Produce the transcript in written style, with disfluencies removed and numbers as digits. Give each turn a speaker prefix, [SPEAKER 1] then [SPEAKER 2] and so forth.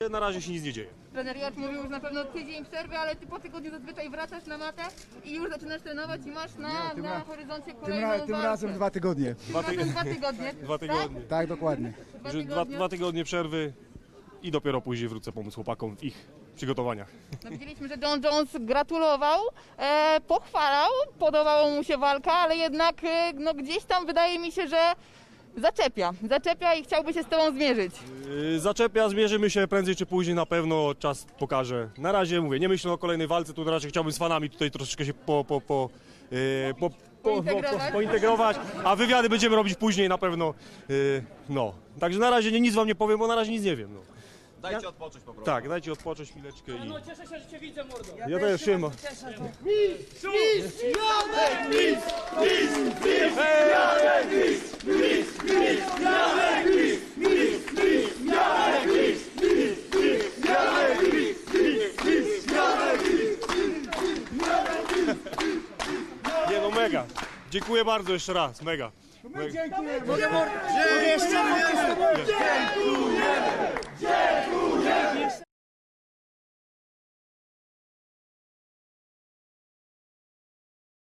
[SPEAKER 1] Na razie się nic nie dzieje.
[SPEAKER 2] Trener Jacz mówił już na pewno tydzień przerwy, ale ty po tygodniu zazwyczaj wracasz na matę i już zaczynasz trenować i masz na horyzoncie kolejną
[SPEAKER 3] Tym
[SPEAKER 2] walkę.
[SPEAKER 3] razem 2 tygodnie.
[SPEAKER 2] Tym razem 2 tygodnie.
[SPEAKER 1] 2 tygodnie.
[SPEAKER 3] Tak, dokładnie.
[SPEAKER 1] Dwa tygodnie przerwy i dopiero później wrócę pomóc chłopakom w ich przygotowaniach.
[SPEAKER 2] No, widzieliśmy, że John Jones gratulował, pochwalał, podobała mu się walka, ale jednak no, gdzieś tam wydaje mi się, że zaczepia i chciałby się z tobą zmierzyć.
[SPEAKER 1] Zaczepia, zmierzymy się prędzej czy później, na pewno czas pokaże. Na razie mówię, nie myślę o kolejnej walce, tu raczej chciałbym z fanami tutaj troszeczkę się pointegrować, a wywiady będziemy robić później na pewno. No, także na razie nic wam nie powiem, bo na razie nic nie wiem. No.
[SPEAKER 4] Dajcie odpocząć po prostu.
[SPEAKER 1] Tak, dajcie odpocząć chwileczkę i...
[SPEAKER 5] No cieszę się, że cię widzę, mordo.
[SPEAKER 1] Ja też się Nie no, mega. Dziękuję bardzo jeszcze raz, mega.
[SPEAKER 3] Dziękujemy.